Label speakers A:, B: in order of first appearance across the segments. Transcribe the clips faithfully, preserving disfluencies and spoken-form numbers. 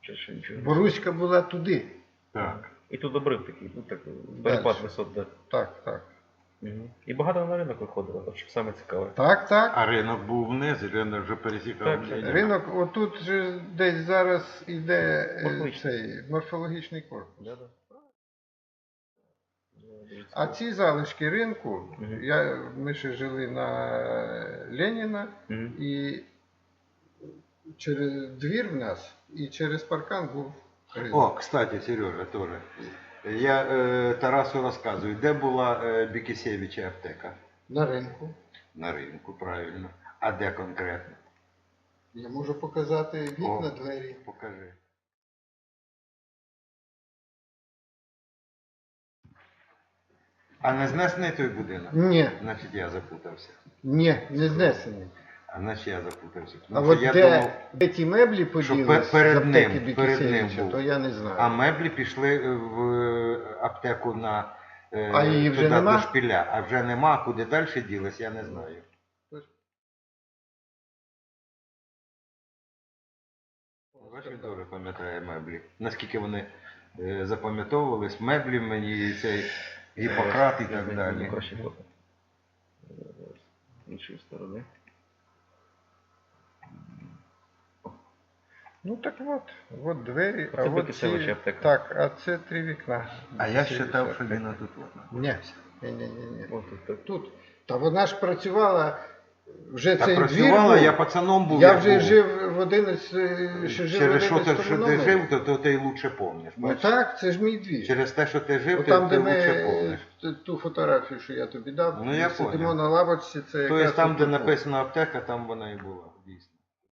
A: Чи ще нічого?
B: Боруська була туди.
C: Так.
A: І тут обрив такий, ну так, перепад
B: Дальше.
A: висот, да.
B: Так, так.
A: Угу. І багато на ринок виходило, от що саме цікаве.
B: Так, так.
C: А ринок був вниз, і ринок вже пересікав.
A: Так, так.
C: Леніна.
B: Ринок, отут же десь зараз іде е,
A: Морфологічний.
B: цей морфологічний корпус.
A: Да, да.
B: А ці залишки ринку,
A: Мгм.
B: я, ми ще жили на Леніна,
A: Мгм.
B: і через двір в нас, і через паркан був ринок.
C: О, кстати, Сережа, теж. Я е, Тарасу розказую, де була е, Бікісєвича аптека?
B: На ринку.
C: На ринку, правильно. А де конкретно?
B: Я можу показати вікна,
C: О.
B: двері.
C: Покажи. А не знесений той будинок?
B: Ні,
C: Значить я запутався.
B: ні, не знесені.
C: А значить я запутався.
B: А
C: Тому
B: от
C: що я
B: де,
C: думав,
B: де ті меблі поділись
C: перед
B: з аптеки
C: ним, перед ним
B: Бікісєвича,
C: був.
B: то я не знаю.
C: а меблі пішли в аптеку на е,
B: А її вже
C: туди,
B: нема?
C: до шпиля. А вже нема, куди далі ділись, я не знаю. Бачиш, він добре пам'ятає меблі. Наскільки вони е, запам'ятовувались, меблі мені, і цей Гіппократ і
A: Я
C: так
A: знаю,
C: далі.
A: краще фото. З іншої сторони.
B: Ну так от, от двері,
A: Це
B: а от
A: Бікісєвича
B: ці...
A: аптека.
B: Так, а це три вікна.
C: А я
B: Бікісєвича
C: вважав, що
B: аптека.
C: він отут.
B: Ні, ні, ні, ні, ні.
A: О, тут так.
B: Тут. Та вона ж працювала, вже
C: Та
B: цей
C: працювала,
B: двір був.
C: я пацаном був.
B: Я
C: як
B: вже
C: був.
B: жив в одинадцять, ще жив в
C: Через що ти,
B: одинадцятому
C: що ти
B: номері.
C: жив, то, то ти лучше помниш.
B: Ну
C: бачиш?
B: так, це ж мій двір.
C: Через те, що ти жив,
B: От
C: ти,
B: там,
C: ти
B: де ми
C: лучше помниш.
B: т- ту фотографію, що я тобі дав,
C: Ну, я
B: сидимо
C: поняв.
B: на лавочці, це
C: Тобто
B: якраз
C: там,
B: тут
C: де
B: було.
C: написано аптека, там вона і була, дійсно.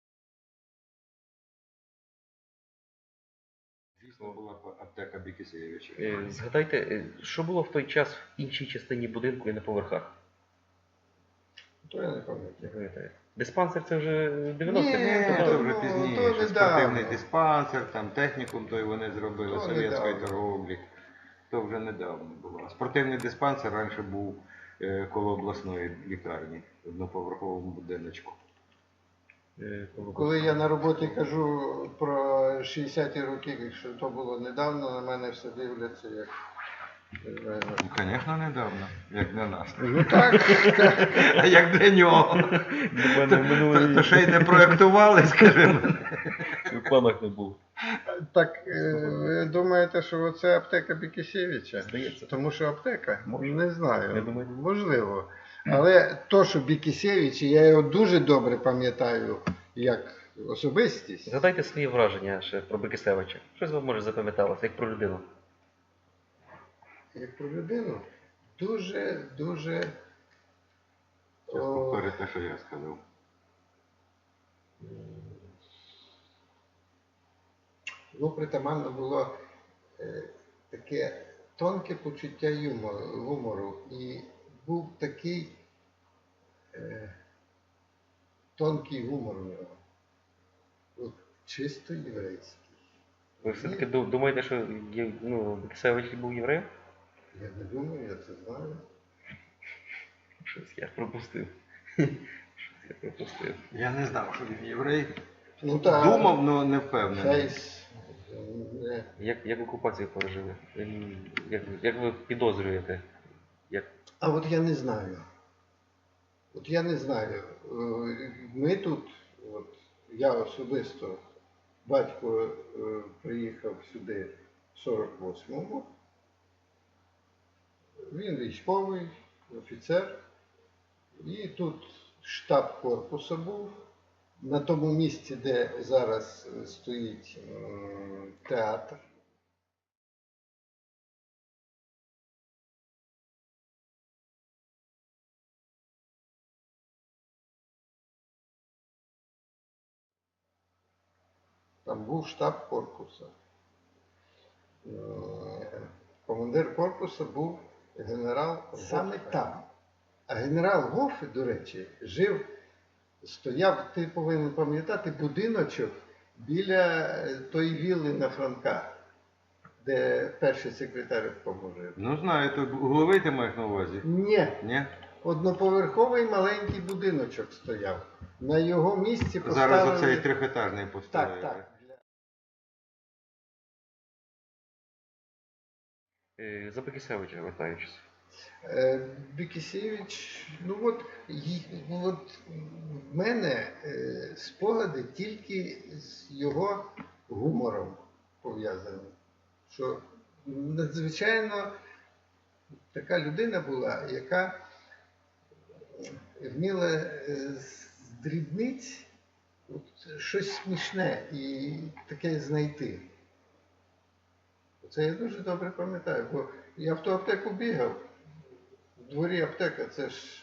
C: Дійсно була аптека Бікісєвича.
A: Е, Згадайте, е, що було в той час в іншій частині будинку і на поверхах?
B: То я не пам'ятаю.
A: Пам'ятаєте? Диспансер це вже дев'яності
B: Ні,
C: Ні,
A: років,
C: це
A: да?
C: вже
B: ну,
C: пізніше.
B: то недавно.
C: Спортивний диспансер, там технікум той вони зробили,
B: То
C: совєтської
B: недавно.
C: торговлі. То вже недавно було. А спортивний диспансер раніше був е, коло обласної лікарні, в одноповерховому будиночку.
A: Е, коли-
B: Коли я на роботі кажу про шістдесяті роки, якщо то було недавно, на мене все дивляться як... не знаю.
C: Ну, звісно, недавно, як для нас.
B: Ну так,
C: А як для нього?
A: Для мене в
C: То,
A: минулий
C: то ще й не проєктували, скажімо.
A: в планах не було.
B: так е, ви думаєте, що оце аптека Бікісєвича?
A: Здається.
B: Тому що аптека?
A: Може.
B: Не знаю.
A: Я думаю.
B: Можливо. Але то, що Бікісєвич, я його дуже добре пам'ятаю як особистість.
A: Згадайте свої враження ще про Бікісєвича. Щось вам може запам'яталося, як про людину.
B: Як про людину, дуже, дуже.
C: Зараз
B: о,
C: повторю те, що я сказав.
B: Ну, притаманно було е, таке тонке почуття юмору, гумору. І був такий е, тонкий гумор у нього. От, чисто єврейський.
A: Ви все-таки ду- думаєте, що є- ну, Бікісєвич був євреєм?
B: Я не думаю, я це знаю.
A: Щось я пропустив. Щось я пропустив.
C: Я не знав, що він єврей.
B: Ну, та,
C: Думав, але не впевнений.
B: Фейс. е,
A: Як, як окупацію пережили? Ем, Як, як ви підозрюєте? Як...
B: А от я не знаю. От я не знаю. Е, Ми тут, от, я особисто, батько е, приїхав сюди в сорок восьмому. Він військовий, офіцер. І тут штаб корпусу був. На тому місці, де зараз стоїть м, театр. Там був штаб корпусу. Е, Командир корпусу був генерал саме там. А генерал Гофе, до речі, жив, стояв, ти повинен пам'ятати, будиночок біля е, тої вілли на Франка, де перший секретар поможе.
C: Ну знаю, то угловий ти маєш на увазі?
B: Ні,
C: Ні?
B: одноповерховий маленький будиночок стояв. На його місці поставили...
C: Зараз оцей трьохетажний поставили.
B: Так, так.
A: Е, За Бекісевича вертаючись.
B: Е, Бікісєвич, ну от, й- от в мене е, спогади тільки з його гумором пов'язані. Що надзвичайно така людина була, яка вміла е, з дрібниць от, щось смішне і таке знайти. Це я дуже добре пам'ятаю, бо я в ту аптеку бігав. В дворі аптека це ж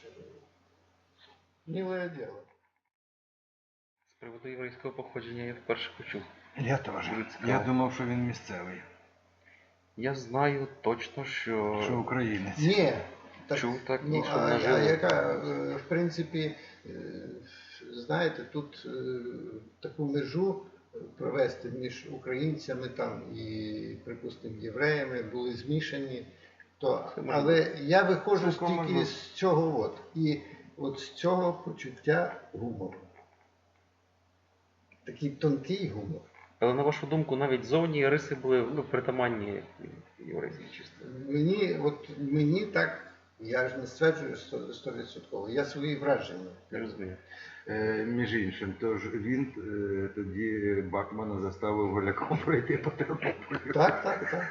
B: миле діло.
A: З приводу єврейського походження я вперше почув.
C: Я теж.
A: Дуже цікаво.
C: Я думав, що він місцевий,
A: Я знаю точно, що,
C: що українець.
B: Ні.
A: чув так,
B: ну,
A: і що
B: а,
A: наживо.
B: а яка, е, в принципі, е, знаєте, тут е, таку межу провести між українцями там і, припустимо, євреями були змішані. То,
A: Це може
B: але я виходжу
C: Цілком
B: тільки
C: можливо.
B: з цього от. І от з цього почуття гумору. Такий тонкий гумор.
A: Але на вашу думку, навіть зовні риси були ну, притаманні єврейській чисто.
B: Мені, от мені так, я ж не стверджую стовідсотково, я свої враження.
A: Не розумію.
C: Е, між іншим, тож він е, тоді Бакмана заставив голяком пройти по Тернополю.
B: Так, так, так.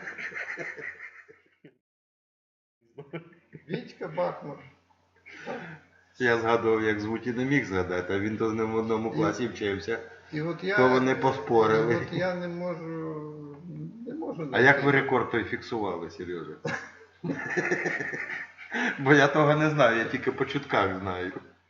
B: Вітька Бакман.
C: Я згадував, як звуть і не міг згадати, а він то з ним в одному класі вчився.
B: І от я,
C: То вони поспорили.
B: І от я не можу, не можу.
C: А як ви рекорд той фіксували, Сережа? Бо я того не знаю, я тільки по чутках знаю.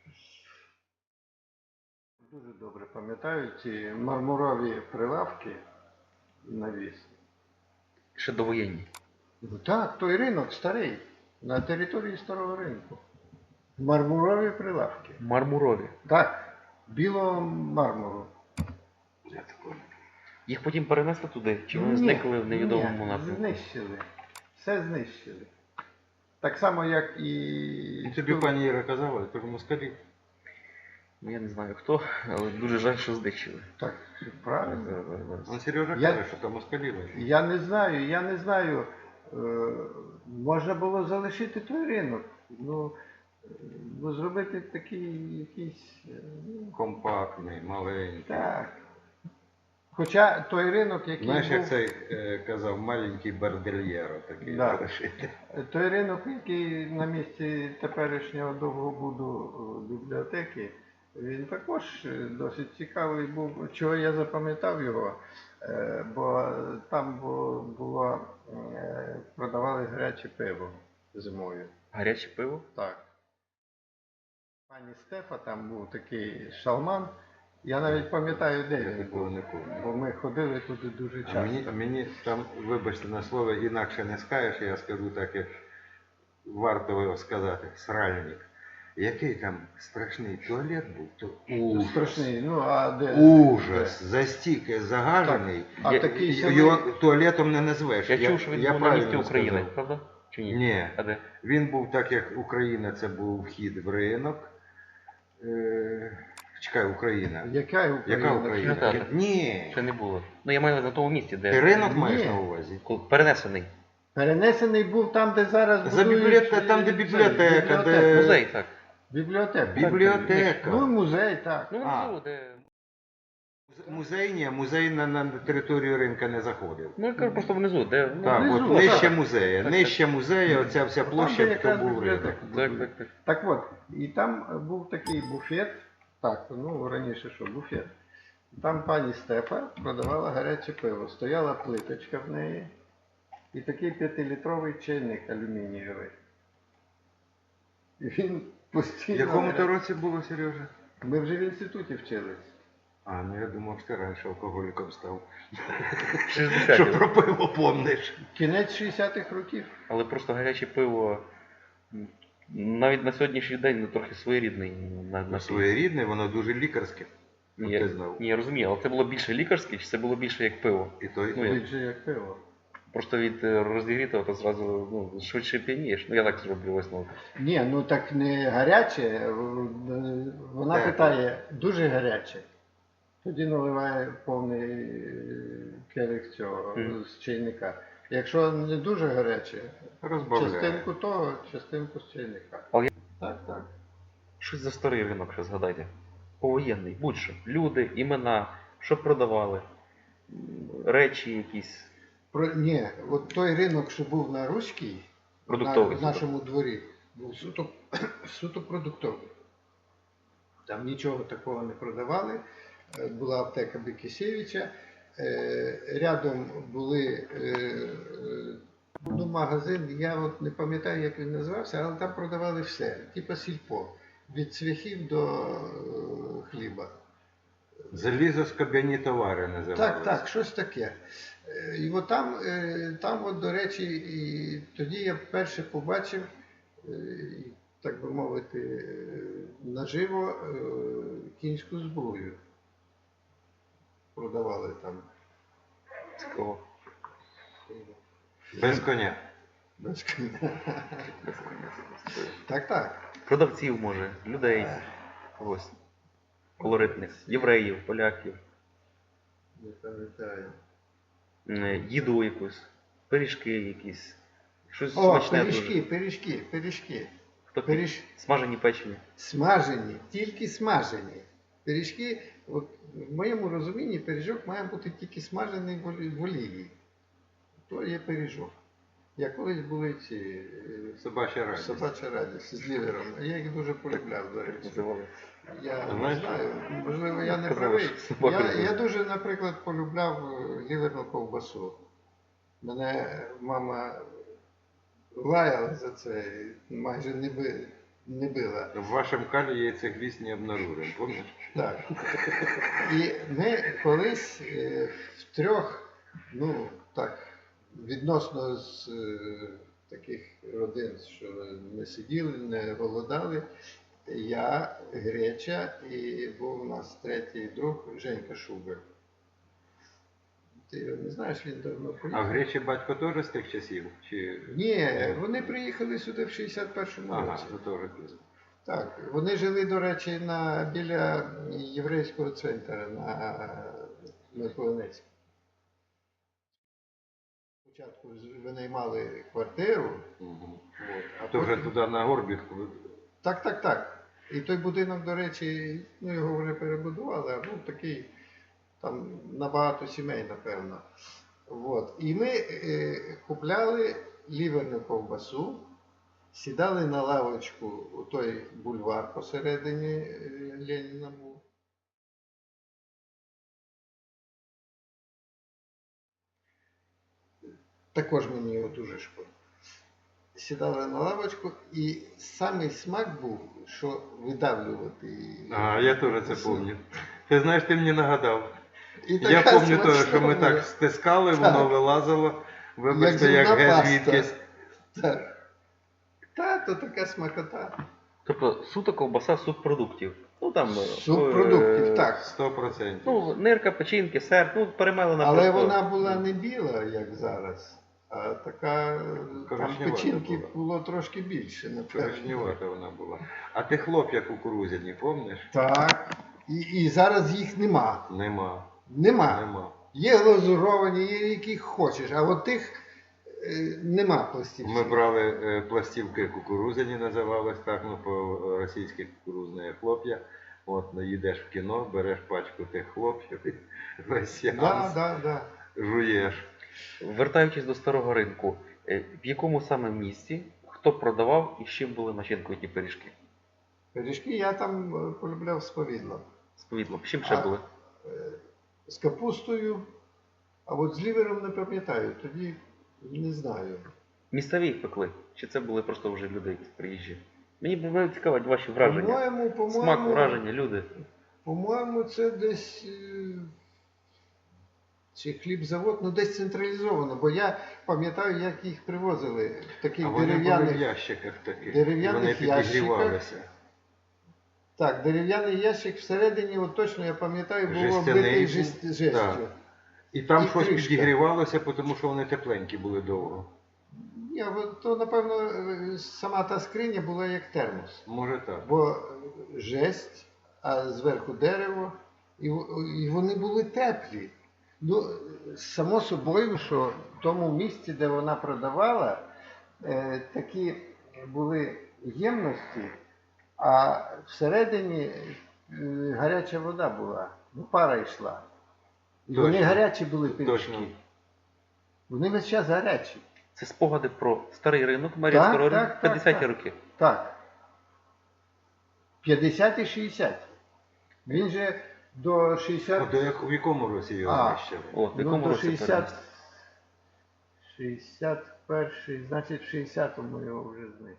B: Дуже добре пам'ятаю ці мармурові прилавки навісні.
A: Ще довоєнні.
B: Ну так, той ринок старий, на території старого ринку. Мармурові прилавки.
A: Мармурові.
B: Так, білого мармуру.
C: Я такого.
A: Їх потім перенесли туди, чи вони
B: Ні,
A: зникли в невідомому
B: ні,
A: напрямку?
B: Знищили. Все знищили. Так само, як і.
C: І тобі пані Іра казала, що москалі.
A: Ну, я не знаю хто, але дуже жаль, що знищили.
B: Так, правильно.
A: Зараз, зараз, зараз.
C: Он Сережа
B: Я-
C: каже, що там москалі лежать.
B: Я не знаю, я не знаю. Е, можна було залишити той ринок. Ну, е, ну зробити такий якийсь. е, ну,
C: Компактний, маленький.
B: Так. Хоча той ринок, який
C: Знаєш, як
B: був,
C: цей е, казав, маленький бордельєро такий
B: Да.
C: залишити.
B: той ринок, який на місці теперішнього довгобуду е, бібліотеки, він також е, досить цікавий був. Чого я запам'ятав його, е, бо там бу- було, е, продавали гаряче пиво зимою.
A: Гаряче пиво?
B: Так. Пані Стефа, там був такий шалман. Я навіть пам'ятаю, де
C: Я
B: він
C: такого
B: був.
C: не пам'ятаю.
B: Бо ми ходили туди дуже
C: А
B: часто.
C: мені, а мені там, вибачте на слово, інакше не скажеш, я скажу так, як варто його сказати, сральник. Який там страшний туалет був, то ужас.
B: Страшний. Ну, а де?
C: Ужас, застійки загажений.
B: А
C: Я-
B: такий
C: й-
B: самий-
C: Його туалетом не назвеш.
A: Я, чув, що він
C: я
A: був на
C: правильно
A: місці України,
C: сказав.
A: правда? Чи ні?
C: Ні.
A: А де?
C: Він був так, як Україна, це був вхід в ринок. Е, чекай, Україна.
B: Яка Україна?
C: Яка Україна?
A: Кінотеатр.
C: Ні.
A: Ще не було. Ну я маю на тому місці, де
C: Ти ринок
B: Ні.
C: маєш на увазі?
A: коли перенесений.
B: Перенесений був там, де зараз
C: За
B: будують,
C: бібліотека- там, де
B: е,
C: бібліотека,
B: бібліотеку.
C: де-
A: Музей, так.
B: Бібліотека.
C: Бібліотека.
B: Ну, музей, так.
A: Ну,
C: А.
A: внизу, де.
C: Музей ні, музей на, на територію ринка не заходив.
A: Ну, я кажу просто внизу, де. Ну,
C: Так,
B: внизу,
C: от нижче
B: так.
C: музея,
A: Так,
C: нижче музея, оця вся
B: Там,
C: площа,
B: де
C: то
B: якраз
C: був ринок.
B: бібліотека
A: Так,
B: будують.
A: так, так.
B: Так от, і там був такий буфет, так, ну раніше що, буфет. Там пані Стефа продавала гаряче пиво. Стояла плиточка в неї і такий п'ятилітровий чайник алюмінієвий. І він
C: В
B: постійно...
C: якому то році було, Сережа?
B: Ми вже в інституті вчились.
C: А, ну я думав, що ти раніше алкоголіком став. Що
A: шістдесяті.
C: про пиво помниш.
B: Кінець шістдесятих років.
A: Але просто гаряче пиво м, навіть на сьогоднішній день ну, трохи своєрідний. На, на
C: Своєрідне, воно дуже лікарське.
A: Ні,
C: От
A: я,
C: ти знав.
A: ні, я розумію, але це було більше лікарське, чи це було більше як пиво?
C: І той,
A: Ну, я-
B: Більше як пиво.
A: Просто від е, розігрітого то зразу ну, швидше п'янієш. Ну я так зроблю висновок.
B: Ні, ну так не гаряче. е, Вона
C: Так.
B: питає, дуже гаряче. Тоді наливає повний е, келих цього
A: Мгм.
B: з чайника. Якщо не дуже гаряче,
C: Розбавляє.
B: частинку того, частинку з чайника.
A: Але я-
B: Так, так.
A: Щось за старий ринок ще згадайте. Повоєнний, будь-що. Люди, імена, що продавали, м, речі якісь.
B: Про, ні, от той ринок, що був на Руській,
A: Продуктовий
B: на, в
A: суто.
B: нашому дворі, був суто, суто продуктовий. Там нічого такого не продавали. Е, Була аптека Бекісєвича. Е, Рядом були е, е, ну, магазин, я от не пам'ятаю, як він називався, але там продавали все, типу сільпо, від цвяхів до е, хліба.
C: Залізоскобяні товари називалися.
B: Так, так, щось таке. Е, І от там, е, там от, до речі, і тоді я вперше побачив, е, і, так би мовити, е, наживо е, кінську зброю. Продавали там.
A: Цікаво.
C: Без коня.
B: Без коня. Так, так.
A: Продавців, може, людей. Ось. Колоритних. Євреїв, поляків.
B: Не пам'ятаю.
A: М, Їду якусь. Пиріжки якісь. Щось
B: О,
A: смачне
B: пиріжки,
A: дуже.
B: пиріжки, пиріжки.
A: Хто
B: пиріж-
A: Смажені печені.
B: Смажені, тільки смажені. Пиріжки, от, в моєму розумінні, пиріжок має бути тільки смажений в олі- в олії. То є пиріжок. Як колись були ці е,
C: Собача радість.
B: собача радість з лівером. Я їх дуже полюбляв, до речі.
A: Називали.
B: Я не
C: Знаєш,
B: знаю, можливо, я не
A: казали,
B: правий.
A: що собака
B: Я,
A: любить.
B: я дуже, наприклад, полюбляв е, ліверну ковбасу. Мене мама лаяла за це, майже не, би, не била.
C: В вашому калі яйцегвіст не обнаружен, помниш?
B: Так. І ми колись е, в трьох, ну так, відносно з е, таких родин, що не сиділи, не голодали, я, Греча і був у нас третій друг Женька Шубер. Ти його не знаєш, він давно
C: А в
B: поїхав.
C: Гречі батько теж з тих часів? Чи...
B: Ні, вони приїхали сюди в шістдесят першому
C: Ага,
B: році.
C: це теж тут.
B: Так, вони жили, до речі, на, біля єврейського центру на Миколинецькій. Спочатку з- винаймали квартиру,
C: Угу.
B: от, а
C: То вже
B: потім...
C: туди на Горбівку.
B: Так, так, так. І той будинок, до речі, ну його вже перебудували, а був такий, там набагато сімей, напевно. От. І ми е, купляли ліверну ковбасу, сідали на лавочку у той бульвар посередині е, Леніна був. Також мені його дуже шкода. Сідали на лавочку, і самий смак був, що видавлювати її.
C: Ага, я теж це пам'ятаю. Ти знаєш, ти мені нагадав.
B: І
C: Я
B: така
C: пам'ятаю теж,
B: смачна
C: що ми
B: була.
C: так стискали,
B: Так.
C: воно вилазило. Вибачте,
B: Як
C: як
B: зубна
C: геть
B: паста.
C: звідкись.
B: Так. Та, то така смакота.
A: Тобто суто ковбаса субпродуктів. Ну там. е,
B: Субпродуктів,
A: е,
B: так.
C: Сто процентів.
A: Ну, нирка, печінки, сер, ну, перемелена
B: Але
A: просто.
B: вона була не біла, як зараз, а така, там
C: Коричневата
B: печінки
C: була.
B: було трошки більше, напевно.
C: Коричневата вона була. А ти хлоп'я кукурудзяні, помниш?
B: Так. І, і зараз їх нема.
C: Нема.
B: Нема.
C: Нема.
B: Є глазуровані, є які хочеш, а от тих е, нема пластівців.
C: Ми брали е, пластівки кукурудзяні, називались так, ну по-російськи кукурудзне хлоп'я. От, ну, їдеш в кіно, береш пачку тих хлоп'ів, і весь
B: Да,
C: сеанс
B: да, да.
C: жуєш.
A: Вертаючись до старого ринку, е, в якому саме місці, хто продавав і з чим були начинкою ті пиріжки?
B: Пиріжки я там е, полюбляв з повідлом.
A: З повідлом. З чим ще
B: А-
A: були?
B: Е, З капустою, а от з лівером не пам'ятаю, тоді не знаю.
A: Місцеві їх пекли? Чи це були просто вже люди якісь приїжджі? Мені б цікавить ваші враження.
B: По-моєму,
A: Смак,
B: по-моєму,
A: враження, люди.
B: по-моєму, це десь е, чи хлібзавод, ну десь централізовано, бо я пам'ятаю, як їх привозили в таких
C: А вони були в
B: дерев'яних.
C: ящиках таких.
B: дерев'яних
C: Вони
B: ящиках.
C: підігрівалися.
B: Так, дерев'яний ящик всередині, от точно я пам'ятаю, був
C: Жестяний
B: оббитий
C: був,
B: жест- жестю.
C: так. І там
B: І
C: щось
B: кришка.
C: підігрівалося, тому що вони тепленькі були довго.
B: Ні, от то, напевно, е, сама та скриня була як термос.
C: Може так.
B: Бо е, жесть, а зверху дерево, і, в- і вони були теплі. Ну, само собою, що в тому місці, де вона продавала, е, такі були ємності, а всередині е, гаряча вода була, ну пара йшла. І вони
C: Точно.
B: гарячі були
C: Точно.
B: пиріжки. Вони весь час гарячі.
A: Це спогади про старий ринок Мар'їнського
B: Так,
A: ринку
B: так, так,
A: п'ятдесяті
B: так.
A: роки.
B: Так. п'ятдесяті шістдесяті. Він же до
C: А
B: шістдесят...
C: до як, в якому році його
B: А.
C: знищили?
A: О, в
B: Ну,
A: якому
B: до
A: році
B: шістдесят...
A: перенесли?
B: шістдесят перший, значить в шістдесятому його вже знищили.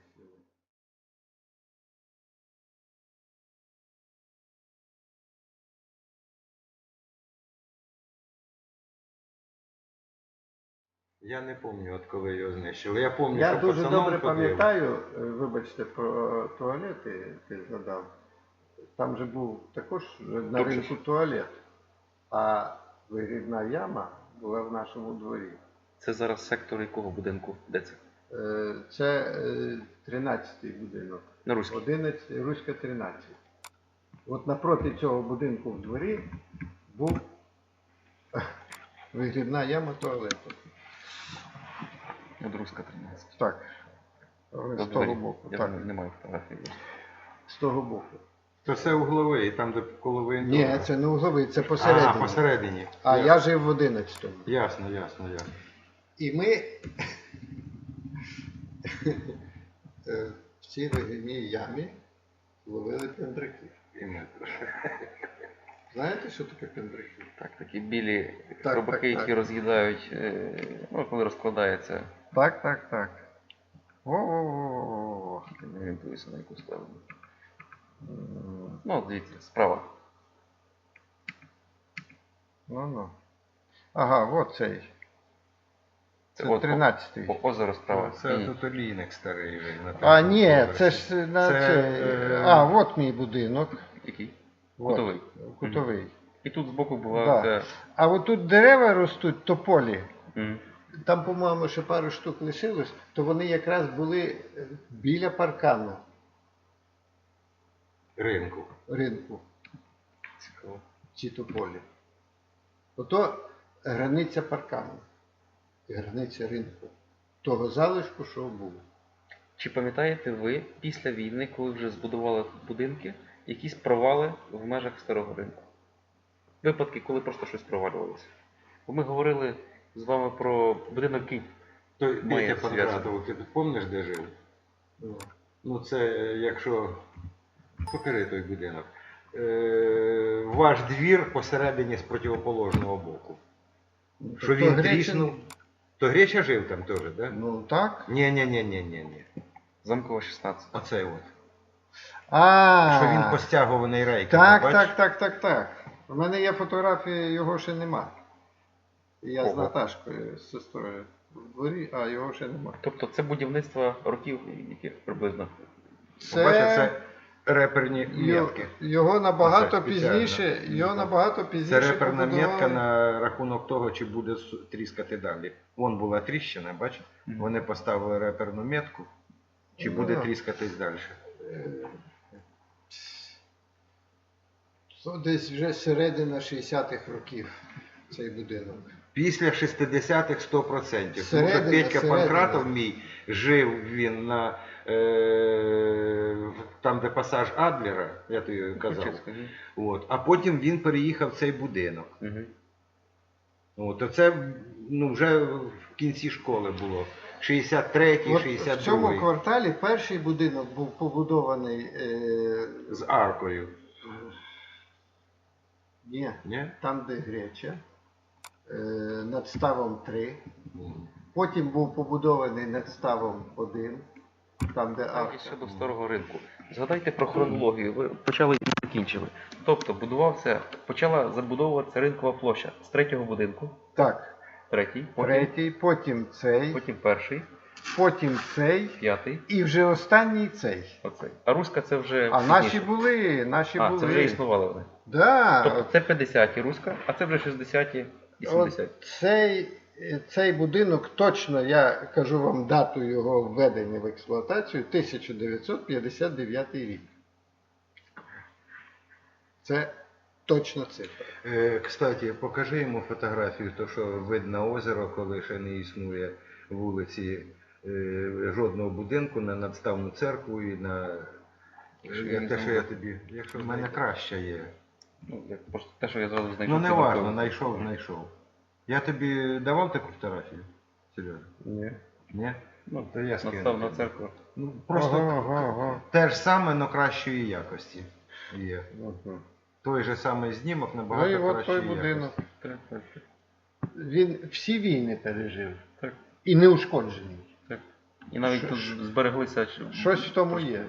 C: Я не пам'ятаю, от коли його знищили. Я пам'ятаю,
B: Я
C: що
B: дуже
C: пацаном
B: добре
C: ходив.
B: пам'ятаю, е, вибачте, про туалети ти згадав. Там же був також на
A: Тут же
B: ринку туалет, а вигрібна яма була в нашому дворі.
A: Це зараз сектор якого будинку? Де це?
B: Е, Це е, тринадцятий будинок.
A: На Руській.
B: одинадцятий, Руська тринадцять. От напроти цього будинку в дворі був вигрібна яма туалету.
A: От Руська тринадцять.
B: Так. З
A: Добре,
B: того боку.
A: Я
B: Так.
A: не маю фотографії.
B: З того боку.
C: То це угловий, там де коло воєнкому.
B: Ні, це не угловий, це посередині.
C: А, посередині.
B: А
C: Ясно.
B: я жив в одинадцятому.
C: Ясно, ясно, ясно.
B: І ми е, в цій вигрібній ямі ловили пендраків.
C: І ми теж.
B: Знаєте, що таке пендраків?
A: Так, такі білі
B: Так,
A: хробаки,
B: так,
A: які
B: так.
A: роз'їдають, е, ну, коли розкладається.
B: Так, так, так. О-о-о.
A: Я не орієнтуюся на яку сторону. Ну, от дивіться, справа.
B: Ну, ну. Ага, от цей. Це
A: От,
B: тринадцятий.
A: О, озеро справа.
C: Це
A: Ні.
C: тут олійник старий. вже на
B: А,
C: третьому
B: ні,
C: поверсі.
B: це ж на
C: Це,
B: цей.
C: е,
B: А, от мій будинок.
A: Який?
B: От,
A: Кутовий.
B: Кутовий.
A: І тут збоку була
B: Да.
A: ця...
B: А от тут дерева ростуть, тополі.
A: Мгм.
B: Там, по-моєму, ще пару штук лишилось, то вони якраз були е, біля паркану
C: Ринку.
B: ринку,
A: Цікаво.
B: ці тополі. Ото границя паркану, границя ринку. Того залишку, що був.
A: Чи пам'ятаєте ви після війни, коли вже збудували тут будинки, якісь провали в межах старого ринку? Випадки, коли просто щось провалювалося. Бо ми говорили з вами про будинок Київ.
C: Той
A: Має
C: Петя
A: зв'язок.
C: Панкратов, ти пам'ятаєш, де жив?
B: Ну,
C: Ну це е, якщо. Покажи той будинок. Е, ваш двір посередині з противоположного боку. Що
B: то
C: він
B: Гречин-
C: тріснув. То Греча жив там теж, так? Да?
B: Ну так.
C: Ні, ні, ні, ні, ні, ні.
A: Замкова шістнадцять.
C: Оцей от.
B: А,
C: Що він постягований рейками,
B: так,
C: бач?
B: так, так, так, так. У мене є фотографії, його ще нема. Я з
A: Ого.
B: Наташкою, з сестрою в дворі, а його ще нема.
A: Тобто це будівництво років яких приблизно.
C: Бачиш, це реперні
B: Йо-
C: метки.
B: Його набагато
C: Це спеціально.
B: пізніше, його набагато
C: Це
B: пізніше
C: реперна
B: побудували.
C: метка на рахунок того, чи буде су- тріскати далі. Вон була тріщина, бачиш?
A: Мгм.
C: Вони поставили реперну метку, чи
B: Ну,
C: буде
B: да.
C: тріскатись далі.
B: Це десь вже середина шістдесятих років цей будинок.
C: Після шістдесятих сто відсотків. Тому що
B: Середина,
C: Петька
B: середина.
C: Панкратов мій жив він на е, в- там, де пасаж Адлера, я тобі казав.
A: Ключицька, ні?
C: От. А потім він переїхав в цей будинок.
A: Мгм.
C: От. А це ну, вже в кінці школи було. шістдесят третій,
B: От
C: шістдесят
B: в цьому
C: другий.
B: кварталі перший будинок був побудований. Е,
C: З аркою.
B: ні,
C: Ні?
B: там, де Греча, е, над ставом три.
C: Ні.
B: Потім був побудований над ставом один, там, де
A: Так, і
B: арка.
A: щодо старого ринку. Згадайте про хронологію. Ви почали і не закінчили. Тобто будувався, почала забудовуватися ринкова площа з третього будинку,
B: Так,
A: третій, потім,
B: третій, потім цей,
A: потім перший,
B: потім цей
A: п'ятий,
B: і вже останній цей.
A: оцей. А Руська це вже
B: А
A: пізніше.
B: наші були, наші
A: А,
B: були.
A: це вже існували вони.
B: Да,
A: Тобто це п'ятдесяті Руська, а це вже шістдесяті і сімдесяті.
B: от цей, цей будинок, точно я кажу вам дату його введення в експлуатацію, тисяча дев'ятсот п'ятдесят дев'ятий рік. Це точна цифра.
C: Е, Кстати, покажи йому фотографію, то що видно озеро, коли ще не існує вулиці, е, жодного будинку, на надставну церкву і на
A: Якщо я
C: як те,
A: візьму-
C: що я тобі. Якщо в мене краще є.
A: Ну, як просто те, що я зразу знайшов.
C: Ну не
A: під
C: важно,
A: рукою.
C: знайшов, знайшов. Я тобі давав таку фотографію, Сережа?
B: Ні.
C: Ні?
B: Ну, то я скину.
A: Надстав на церкву.
C: Ну, просто
B: Ага, ага, ага.
C: те ж саме, але кращої якості є.
B: Ага.
C: Той же самий знімок
B: Ну
C: набагато
B: і от
C: кращої
B: той будинок.
C: якості.
A: Так, так, так.
B: Він всі війни пережив.
A: Так.
B: І не ушкоджений.
A: Так. І навіть
B: Що-
A: тут
B: що-
A: збереглися. що-
B: Щось в тому є.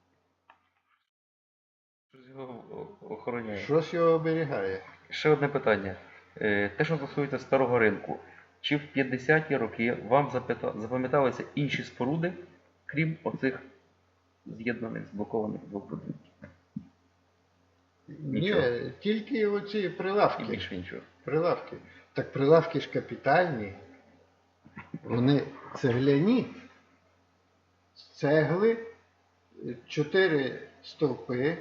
A: Щось його о- охороняє.
B: Щось його оберігає.
A: Ще одне питання. Е, Те, що стосується старого ринку. Чи в п'ятдесяті роки вам запита- запам'яталися інші споруди, крім оцих з'єднаних, зблокованих двох будинків? Нічого.
B: Ні, тільки оці
A: І
B: прилавки.
A: більше нічого.
B: Прилавки. Так прилавки ж капітальні. Вони цегляні. З цегли, чотири стовпи,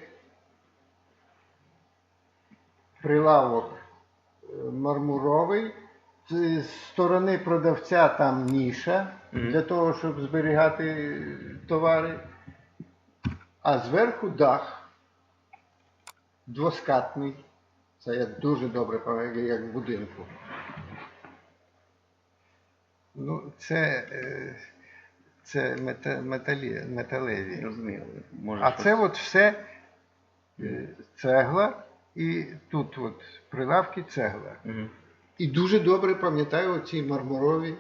B: прилавок е, мармуровий, з сторони продавця там ніша
A: Мгм.
B: для того, щоб зберігати товари, а зверху дах двоскатний. Це я дуже добре пам'ятаю, як в будинку. Ну, це, е, це мета, металі, металеві.
A: Розумію. Може,
B: А
A: щось-
B: це от все е, цегла, і тут от прилавки цегла.
A: Мгм.
B: І дуже добре пам'ятаю ці мармурові.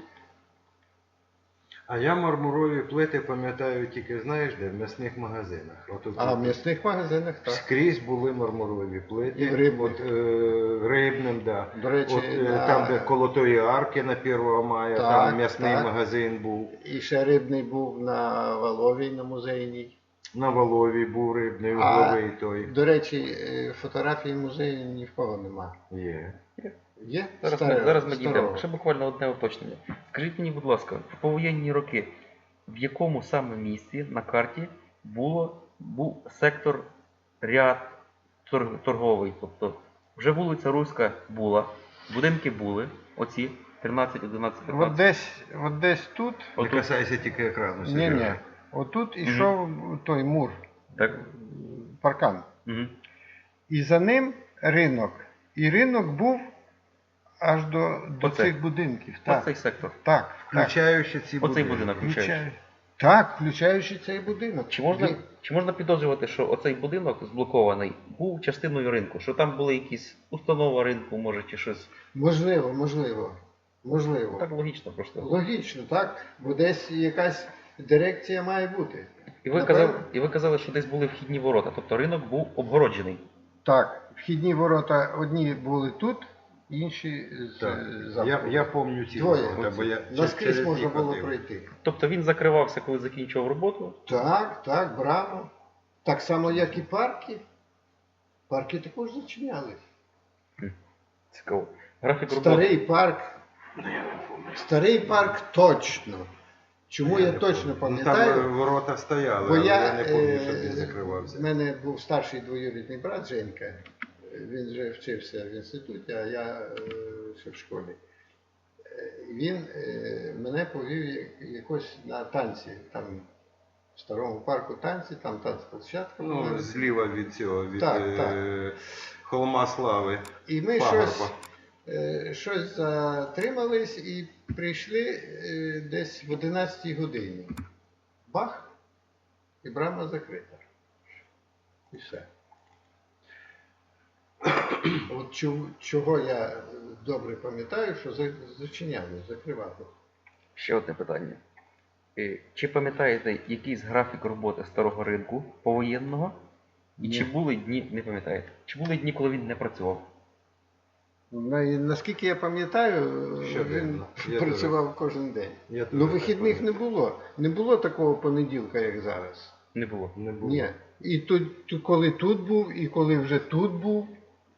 C: А я мармурові плити пам'ятаю тільки, знаєш де, в м'ясних магазинах. От, от,
B: А в
C: от,
B: м'ясних магазинах так.
C: скрізь були мармурові плити.
B: І в рибних.
C: От, е, рибним, да.
B: До речі,
C: От, е,
B: на-
C: там, де коло тої арки на Первого мая,
B: Так,
C: там м'ясний
B: так.
C: магазин був.
B: І ще рибний був на Валовій, на музейній.
C: На Волові був рибний,
B: А,
C: угловий той.
B: До речі, е, фотографії музею ні в кого нема.
C: Є.
B: Є?
A: Зараз,
B: Старе-
A: ми, зараз ми
B: старого.
A: дійдемо. Ще буквально одне уточнення. Скажіть мені, будь ласка, в повоєнні роки, в якому саме місці на карті було, був сектор ряд торг- торговий? Тобто вже вулиця Руська була, будинки були, оці тринадцять, одинадцять,
B: От
A: п'ятнадцять.
B: десь, от десь тут,
C: Не
A: Отут.
C: касайся тільки екрану.
B: ні,
C: Сережа.
B: ні, отут ішов той мур,
A: Так?
B: паркан.
A: Угу.
B: І за ним ринок. І ринок був аж до, до
A: Оце.
B: цих будинків. Так,
A: Оцей сектор.
B: так, так.
C: Включаючи ці
A: Оцей
C: будинки.
A: будинок включаючи.
B: Включаю. Так, включаючи цей будинок.
A: Чи можна,
B: Він-
A: чи можна підозрювати, що оцей будинок зблокований був частиною ринку? Що там були якісь установа ринку, може, чи щось?
B: Можливо, можливо. Можливо.
A: Так логічно просто.
B: Логічно, так? Бо десь якась дирекція має бути.
A: І ви,
B: Напевно.
A: казали, і ви казали, що десь були вхідні ворота, тобто ринок був обгороджений.
B: Так, вхідні ворота одні були тут, інші з
C: Так.
B: е,
C: Я,
B: заходу.
C: я пам'ятаю ці
B: Двоє.
C: ворота, бо я
B: Наскрізь
C: через
B: можна
C: них
B: було
C: ходив.
B: пройти.
A: Тобто він закривався, коли закінчував роботу.
B: Так, так, браво. Так само, як і парки. Парки також зачинялись.
A: Цікаво. Графік роботи.
B: Старий парк. Старий парк точно. Чому я,
C: не
B: точно
C: пам'ятаю.
B: пам'ятаю?
C: Ну, там ворота стояли,
B: Бо
C: але
B: я,
C: я, не пам'ятаю,
B: е,
C: щоб він закривався.
B: в мене був старший двоюрідний брат Женька. Він вже вчився в інституті, а я е, ще в школі. Е, Він е, мене повів як- якось на танці. Там в старому парку танці, там танцплощадка була.
C: Ну, зліва від цього, від
B: Так,
C: е, Холма Слави.
B: І ми
C: Пагорба.
B: щось, е, щось затримались і прийшли е, десь в одинадцятій годині. Бах! І брама закрита. І все. От чого, чого я добре пам'ятаю, що за- зачиняли, закривали.
A: Ще одне питання. Е, Чи пам'ятаєте якийсь графік роботи старого ринку повоєнного? І
B: Ні.
A: чи були дні, не пам'ятаєте, чи були дні, коли він не працював?
B: Ну, і наскільки я пам'ятаю,
C: Що
B: він
C: дивно. Я
B: працював кожен день.
C: Я
B: Ну,
C: теж так
B: вихідних не
C: пам'ятаю.
B: було. Не було такого понеділка, як зараз.
A: Не було.
C: Не було.
B: Ні. І тут, ту- коли тут був, і коли вже тут був.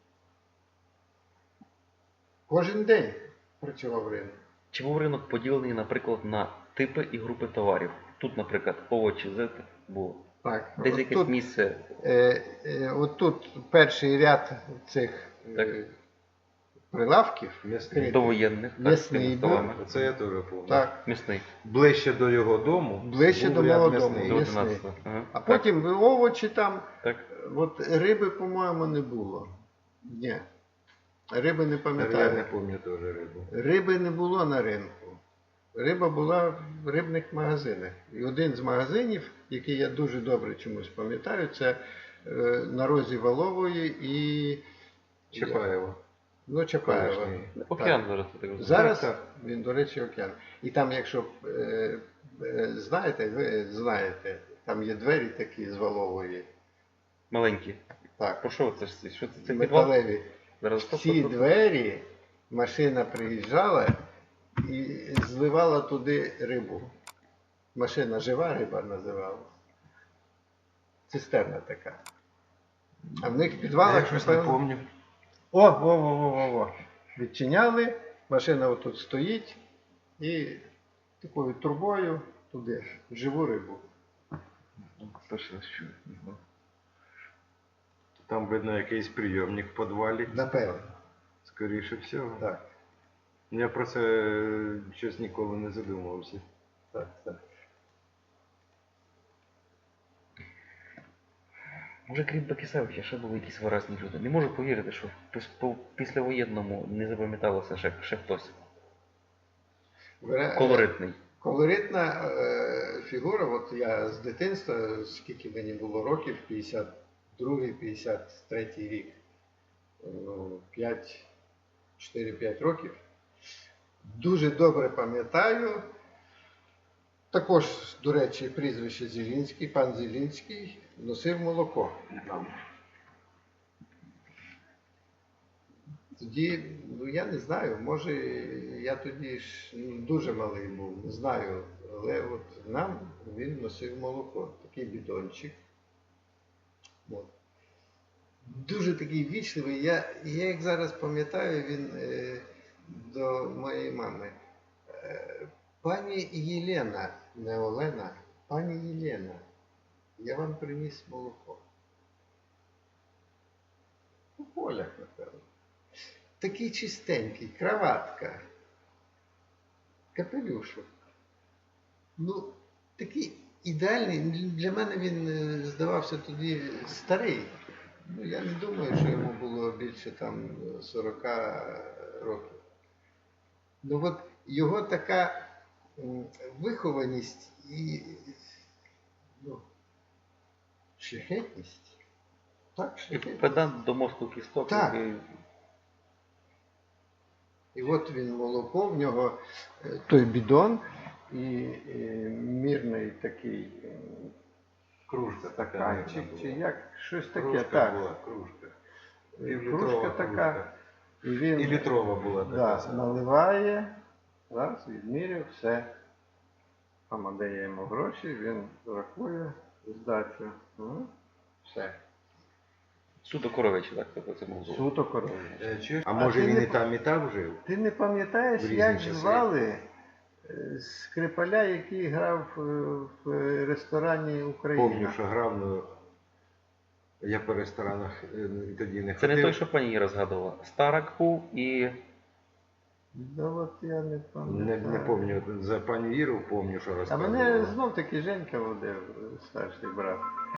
B: Кожен день працював ринок.
A: Чи був ринок поділений, наприклад, на типи і групи товарів? Тут, наприклад, овочі, зерно було.
B: Так,
A: Десь
B: от
A: якесь
B: тут,
A: місце.
B: е, е, от тут перший ряд цих
A: Так.
B: е, прилавків.
C: М'ясний.
B: критих.
A: Довоєнних, так, з
B: М'ясний
A: тими
B: був.
A: столами.
C: Оце я теж пам'ятаю.
B: Так,
A: Місний.
C: Ближче до його дому.
B: Ближче
C: був
B: до
C: ряд
B: мого
C: м'ясний.
A: До
B: дому.
A: одинадцятого. Ага.
B: а
A: Так,
B: потім овочі там.
A: так.
B: От риби, по-моєму, не було. Ні. Риби не
C: Я не
B: пам'ятаю.
C: пам'ятаю теж рибу.
B: Риби не було на ринку. Риба була в рибних магазинах. І один з магазинів, який я дуже добре чомусь пам'ятаю, це е, на розі Валової і
C: Чапаєва.
B: ну, Чапаєва.
C: Колишній.
A: Океан зараз ти так розумієш.
B: Зараз
C: Так,
B: він, до речі, океан. І там, якщо е, е, знаєте, ви знаєте, там є двері такі з Валової.
A: Маленькі.
B: Так,
A: Про що це ж? це? Що це? Це підвал?
B: металеві.
A: Зараз стоп,
B: Ці
A: стоп, стоп.
B: двері машина приїжджала і зливала туди рибу. Машина жива риба називалась. Цистерна така. А в них в
C: Я
B: підвалах
C: щось не
B: напевно-
C: пам'ятаю.
B: О, во, во, во, во, во. Відчиняли, машина отут стоїть і такою трубою туди, в живу рибу.
A: Перший раз чую.
C: Там, видно, якийсь прийомник в підвалі.
B: Напевно.
C: Скоріше всього.
B: Так,
C: Я про це е, щось ніколи не задумувався.
B: так, так.
A: Може, крім Бакісевича, ще були якісь виразні люди. Не можу повірити, що в пос- по- післявоєнному не запам'яталося ще, ще хтось.
B: Вира-
A: Колоритний.
B: Колоритна е, фігура, от я з дитинства, скільки мені було років, п'ятдесят другий п'ятдесят третій рік, ну, п'ять, чотири-п'ять років. Дуже добре пам'ятаю. Також, до речі, прізвище Зілінський, пан Зілінський носив молоко нам. Тоді, ну я не знаю, може я тоді ж ну, дуже малий був, не знаю, але от нам він носив молоко, такий бідончик. От. Дуже такий вічливий. Я, я як зараз пам'ятаю, він е, до моєї мами. Е, пані Єлена, не Олена, пані Єлена, я вам приніс молоко. У полях, напевно. Такий чистенький, краватка, капелюшок. Ну, такий ідеальний. Для мене він е, здавався тоді старий. Ну, я не думаю, що йому було більше там сорок років. Ну от його така м, вихованість і ну, шляхетність. Так,
A: І
B: шляхетність.
A: педант до мозку кісток,
B: Так.
A: який
B: І от він молоко, в нього е, той бідон і, і мірний такий е,
C: Кружка така.
B: стаканчик,
C: мабуть,
B: чи
C: була.
B: як, щось таке,
C: Кружка
B: так.
C: була, кружка.
B: Е,
C: Півлітрова
B: Кружка така.
C: кружка.
B: І він
C: І літрова була така.
B: да,
C: сама.
B: наливає, раз, відміряв, все. Мама дає йому гроші, він рахує здачу. Ну, все.
A: суто коровичі, так, тобто це був.
B: Суто корові.
C: Е, чуєш? А
B: А
C: може
B: ти
C: він
B: не
C: і
B: по-
C: там, і там жив?
B: Ти не пам'ятаєш,
C: В різні
B: як
C: часи.
B: звали е, скрипаля, який грав е, в ресторані Україна?
C: Помню, що грав, ну я по ресторанах е, тоді не
A: Це
C: ходив.
A: не той, що пані Іра згадувала. Старак був і
B: Да от я не
C: Не,
B: пам'ятаю.
C: не помню, за пані Іру помню, що
B: А
C: розказувала.
B: мене знов таки Женька водив, старший брат.